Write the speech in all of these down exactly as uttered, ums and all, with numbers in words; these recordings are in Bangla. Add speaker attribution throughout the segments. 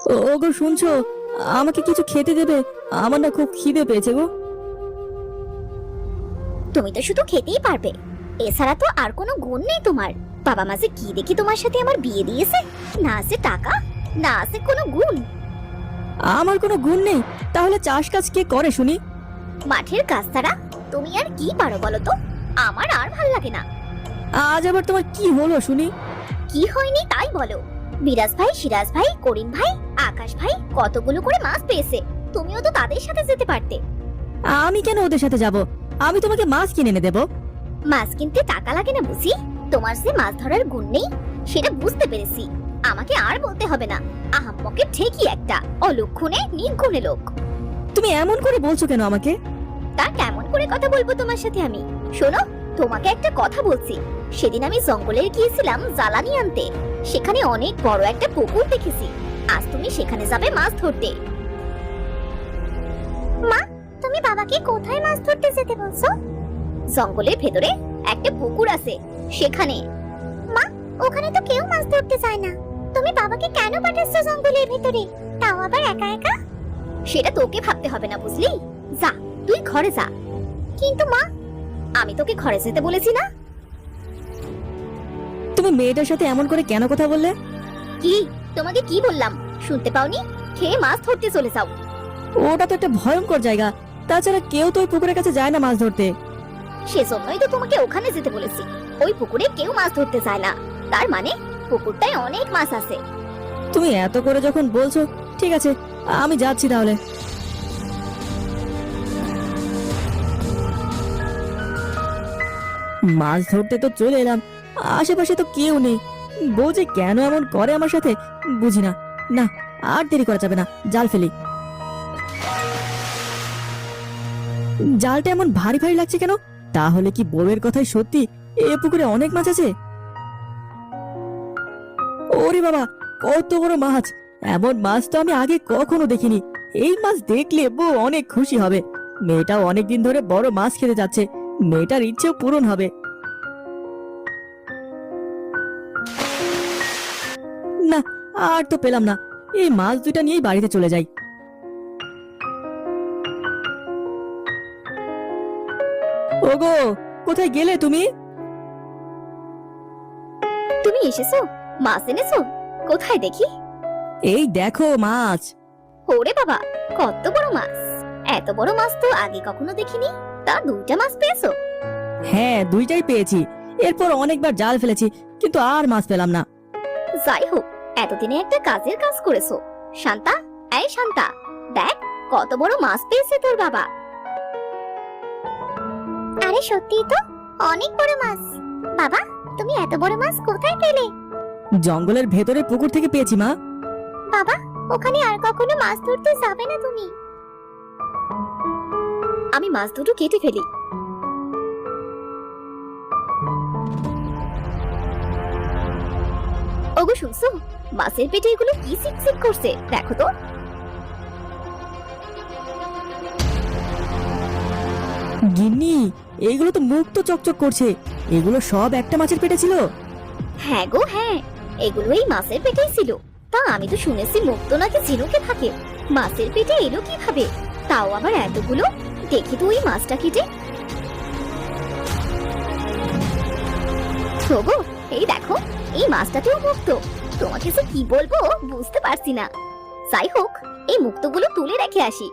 Speaker 1: ও- ওগো শুনছো? আমাকে কিছু খেতে দেবে, আমার না খুব খিদে পেয়েছে গো।
Speaker 2: তুমি তো শুধু খেতেই পারবে, এছাড়া তো আর কোনো গুণ নেই তোমার। বাবা মা যে কি দেখি তোমার সাথে আমার বিয়ে দিয়েছে, না আছে টাকা, না আছে কোনো গুণ।
Speaker 1: আমার কোনো গুণ নেই? তাহলে চাষ কাজ কে করে শুনি?
Speaker 2: মাঠের কাজ ছাড়া তুমি আর কি পারো বলো তো? আমার আর ভাল লাগে না।
Speaker 1: আজ আবার তোমার কি হলো শুনি?
Speaker 2: কি হয়নি তাই বলো। মিরাজ ভাই, সিরাজ ভাই, করিম ভাই, আকাশ ভাই কতগুলো করে মাছ পেয়েছে, তুমিও তো তাদের সাথে যেতে পারতে।
Speaker 1: আমি কেন ওদের সাথে যাব? আমি তোমাকে মাছ কিনে এনে দেবো।
Speaker 2: মাছ কিনতে টাকা লাগে না বুঝি? তোমার যে মাছ ধরার গুণ নেই সেটা বুঝতে পেরেছি। আমাকে আর বলতে হবে না, আহাম্মকে ঠিকই একটা অলক্ষণে নির্গুণে লোক।
Speaker 1: তুমি এমন করে বলছো কেন আমাকে?
Speaker 2: তা কেমন করে কথা বলবো তোমার সাথে আমি? শোনো, তোমাকে একটা কথা বলছি। সেদিন আমি জঙ্গলে গিয়েছিলাম জ্বালানি আনতে, সেখানে অনেক বড় একটা পুকুর দেখেছি। আজ তুমি সেখানে যাবে মাছ ধরতে। মা, তুমি বাবাকে কোথায় মাছ ধরতে যেতে বলছো? জঙ্গলের ভেতরে একটা পুকুর আছে, সেখানে। মা, ওখানে তো কেউ মাছ ধরতে চায় না, তুমি বাবাকে কেন পাঠাচ্ছো জঙ্গলের ভেতরে, তাও আবার একা একা? সেটা তোকে ভাবতে হবে না বুঝলি, যা তুই ঘরে যা। কিন্তু মা, আমি তোকে ঘরে যেতে বলেছি না?
Speaker 1: তুমি মেয়েটার সাথে এমন করে কেন কথা বললে?
Speaker 2: কি তোমাকে কি বললাম শুনতে পাওনি? খেয়ে মাছ ধরতে চলে যাও।
Speaker 1: ওটা তো একটা ভয়ঙ্কর জায়গা, তাছাড়া কেউ তো ওই পুকুরের কাছে যায় না মাছ ধরতে।
Speaker 2: সেজন্যই তো তোমাকে ওখানে যেতে বলেছি। ওই পুকুরে কেউ মাছ ধরতে চায় না, তার মানে পুকুরটায় অনেক মাছ আছে।
Speaker 1: তুমি এত করে যখন বলছো, ঠিক আছে, আমি যাচ্ছি তাহলে। মাছ ধরতে তো চলে এলাম, আশেপাশে তো কেউ নেই। বউ যে কেন এমন করে আমার সাথে বুঝি না। না, আর দেরি করা যাবে না, জাল ফেলি। জালটা এমন ভারী ভারী লাগছে কেন? তাহলে কি বউয়ের কথাই সত্যি এ পুকুরে অনেক মাছ আছে? ওরে বাবা, কত বড় মাছ! এমন মাছ তো আমি আগে কখনো দেখিনি। এই মাছ দেখলে বউ অনেক খুশি হবে। মেয়েটাও অনেকদিন ধরে বড় মাছ খেতে যাচ্ছে, মেয়েটার ইচ্ছেও পূরণ হবে। না, আর তো পেলাম না। এই মাছ দুইটা নিয়েই বাড়িতে চলে যাই। ওগো, কোথায় গেলে তুমি?
Speaker 2: তুমি এসেছো? মাছ এনেছো? কোথায় দেখি?
Speaker 1: এই দেখো মাছ।
Speaker 2: ওরে বাবা, কত বড় মাছ! এত বড় মাছ তো আগে কখনো দেখিনি। তা দুইটা মাছ পেয়েছো?
Speaker 1: হ্যাঁ, দুইটাই পেয়েছি। এরপর অনেকবার জাল ফেলেছি, কিন্তু আর মাছ পেলাম না।
Speaker 2: যাই হোক, এতদিনে একটা কাজের কাজ করেছো। শান্তা, এই শান্তা, দেখ কত বড় মাছ পেয়েছে তোর বাবা। আরে সত্যি তো, অনেক বড় মাছ। বাবা, তুমি এত বড় মাছ কোথায় পেলে?
Speaker 1: জঙ্গলের ভেতরে পুকুর থেকে পেয়েছি মা।
Speaker 2: বাবা, ওখানে আর কখনো মাছ ধরতে যাবে না তুমি? আমি মাছ দুটো কেটে ফেলি। ওগো শুনছো, মাছের পেটে এগুলো কি চিকচিক করছে দেখো তো।
Speaker 1: গিন্নি, এইগুলো তো মুখ তো চকচক করছে। এগুলো সব একটা মাছের পেটে ছিল?
Speaker 2: হ্যাঁ গো হ্যাঁ, এগুলো এই মাছের পেটেই ছিল। তা আমি তো শুনেছি মুক্ত নাকি ঝিনুকে থাকে, মাছের পেটে এলো কিভাবে? তাও আবার এতগুলো। দেখি তো ওই মাছটা কেটে। ওগো, এই দেখো, এই মাছটাতেও মুক্ত। তোমাকে যে কি বলবো বুঝতে পারছি না। যাই হোক, এই মুক্তগুলো তুলে রেখে আসি।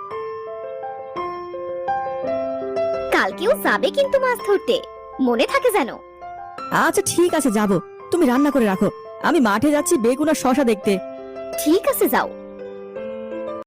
Speaker 2: কালকেও যাবে কিন্তু মাছ ধরতে, মনে থাকে যেন।
Speaker 1: আচ্ছা ঠিক আছে, যাব। তুমি রান্না করে রাখো, আমি মাঠে যাচ্ছি বেগুন আর শশা দেখতে।
Speaker 2: ঠিক আছে, যাও।